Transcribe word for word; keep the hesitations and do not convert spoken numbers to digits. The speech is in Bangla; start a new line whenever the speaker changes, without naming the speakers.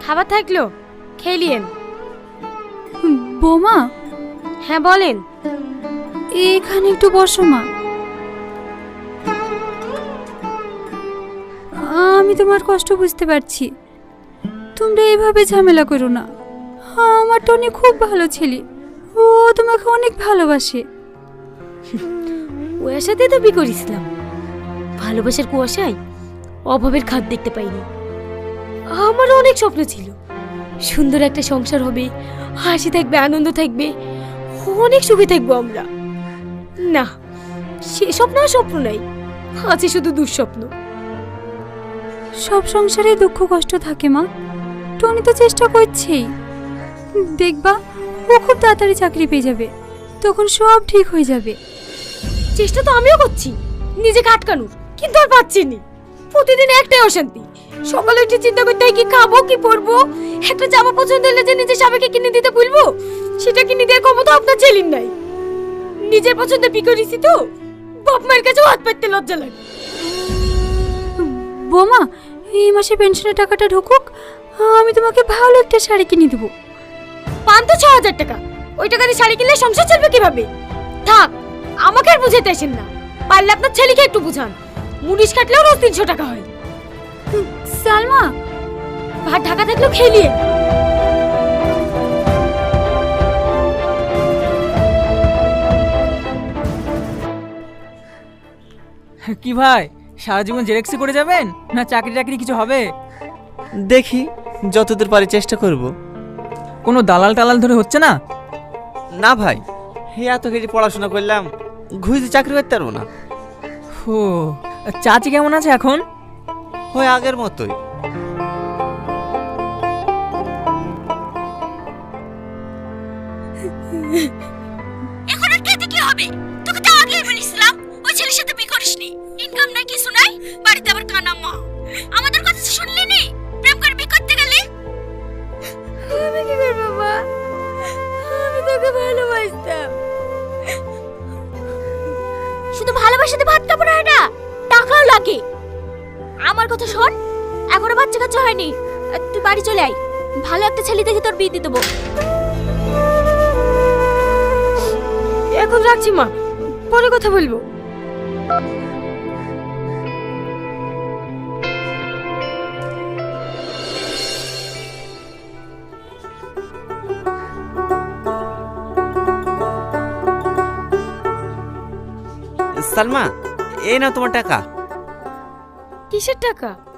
খাবার থাকলো, খেলিয়েন।
বৌমা।
হ্যাঁ বলেন।
এখানে একটু বসো মা। আমি তোমার কষ্ট বুঝতে পারছি, তোমরা এইভাবে ঝামেলা করো না। আমার টনি খুব ভালো ছেলে, ও তোমাকে অনেক ভালোবাসে।
ওর সাথে তো বিয়ে করেছিলাম, ভালোবাসার কুয়াশায় অভাবের খাদ দেখতে পাইনি। আমারও অনেক স্বপ্ন ছিল, সুন্দর একটা সংসার হবে, হাসি থাকবে, আনন্দ থাকবে, অনেক সুখে থাকবো আমরা। না, সে স্বপ্ন আর স্বপ্ন নাই, আছে শুধু দুঃস্বপ্ন।
সব সংসারে দুঃখ কষ্ট থাকে মা, টনি তো চেষ্টা করছেই। দেখবা ও খুব তাড়াতাড়ি চাকরি পেয়ে যাবে, তখন সব ঠিক হয়ে যাবে।
চেষ্টা তো আমিও করছি নিজেকে আটকানোর, কিন্তু আর পাচ্ছি না। প্রতিদিন একটাই অশান্তি, সকালে উঠে চিন্তা করতে হয় কি খাবো কি পরবো, একটা জামা পছন্দ হলে যে নিজের স্বামীকে কিনে দিতে বলবো, সেটা কিনে দেওয়ার ক্ষমতা আপনার ছেলের নাই। নিজের পছন্দ বিকরিছি তো বাপ মায়ের কাছেও হাত পাততে লজ্জা লাগে।
বৌমা, এই মাসে পেনশনের টাকাটা ঢুকুক, আমি তোমাকে ভালো একটা শাড়ি কিনে দেবো।
পান তো ছ হাজার টাকা, ওই টাকা দিয়ে শাড়ি কিনলে সংসার চলবে কিভাবে? থাক, আমাকে আর বুঝাতে আসেন না, পারলে আপনার ছেলেকে একটু বুঝান। মুনিশ কাটলেও রোজ তিনশো টাকা হয়।
সালমা,
ভাত ঢাকা থাকলেও খেলিয়ে।
কি ভাই, সারা জীবন জেরেক্সি করে যাবেন না চাকরি টাকরি কিছু হবে?
দেখি, যতদূর পারি চেষ্টা করব।
কোনো দালাল টালাল ধরে হচ্ছে না?
না ভাই, হে এত কিছু পড়াশোনা করলাম, ঘুষে চাকরি করতে পারবো না।
ও, চাচি কেমন আছে এখন?
হয় আগের মতোই।
এখন আর খেতে কি হবে? তোকে তো আগেই বলেছিলাম ওই ছেলের সাথে বিয়ে করিসনি, ইনকাম নাই কিছু নাই, বাড়িতে আবার কানা মা। আমাদের কথা শুনলি নি? প্রেম করে বিয়ে করতে গেলে আমি কি করব মা? আমি তোকে ভালোবাসতাম। শুধু ভালোবাসাতে ভাত কাপড় হয় না, টাকাও লাগে। আমার কথা শোন, এখনো বাচ্চা কাচ্চা হয়নি, তুই বাড়ি চলে আয়, ভালো একটা ছেলে দেখে তোর বিয়ে দিয়ে দেবো। এখন রাখছি মা, পরে কথা বলবো।
সালমা, এই নাও তোমার টাকা।
কিসের টাকা?